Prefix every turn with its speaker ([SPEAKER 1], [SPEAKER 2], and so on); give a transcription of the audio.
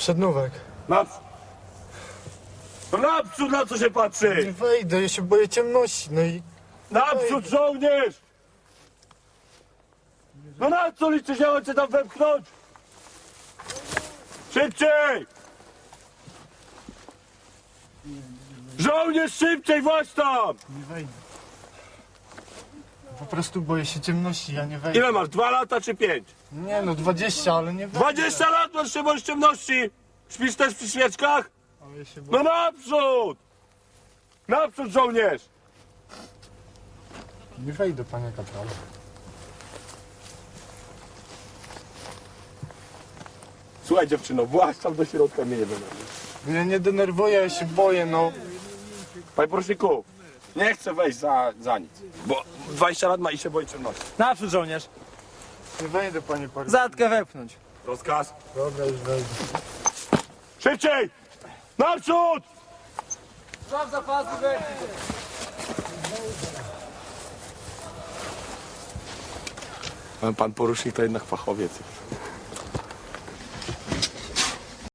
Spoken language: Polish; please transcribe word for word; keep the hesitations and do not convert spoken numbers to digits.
[SPEAKER 1] Przednówek.
[SPEAKER 2] Naprzód! No naprzód, na co się
[SPEAKER 1] Nie
[SPEAKER 2] patrzy?
[SPEAKER 1] wejdę, ja się boję ciemności, no i...
[SPEAKER 2] Naprzód, żołnierz! No na co liczy się ojcze tam wepchnąć? Szybciej! Żołnierz, szybciej, właśnie tam!
[SPEAKER 1] Nie wejdę. Po prostu boję się ciemności, ja nie wejdę.
[SPEAKER 2] Ile masz, dwa lata czy pięć?
[SPEAKER 1] Nie no, dwadzieścia, ale nie wejdę.
[SPEAKER 2] Dwadzieścia lat masz się boisz ciemności! Śpisz też przy świeczkach?
[SPEAKER 1] Ale ja się boję.
[SPEAKER 2] No naprzód! Naprzód, żołnierz!
[SPEAKER 1] Nie wejdę, panie kapralu.
[SPEAKER 2] Słuchaj dziewczyno, właź tam do środka, mnie nie denerwuj.
[SPEAKER 1] Ja nie denerwuję, ja się boję, no.
[SPEAKER 2] Panie poruczniku, nie chcę wejść za, za nic, bo dwadzieścia lat ma i się boi ciemności.
[SPEAKER 3] Naprzód, żołnierz.
[SPEAKER 1] Nie wejdę, panie paru.
[SPEAKER 3] Zatkę wepchnąć.
[SPEAKER 2] Rozkaz.
[SPEAKER 1] Dobra, już wejdę.
[SPEAKER 2] Szybciej! Naprzód!
[SPEAKER 3] Szaf zapasy wepchnij.
[SPEAKER 2] Pan porucznik to jednak fachowiec.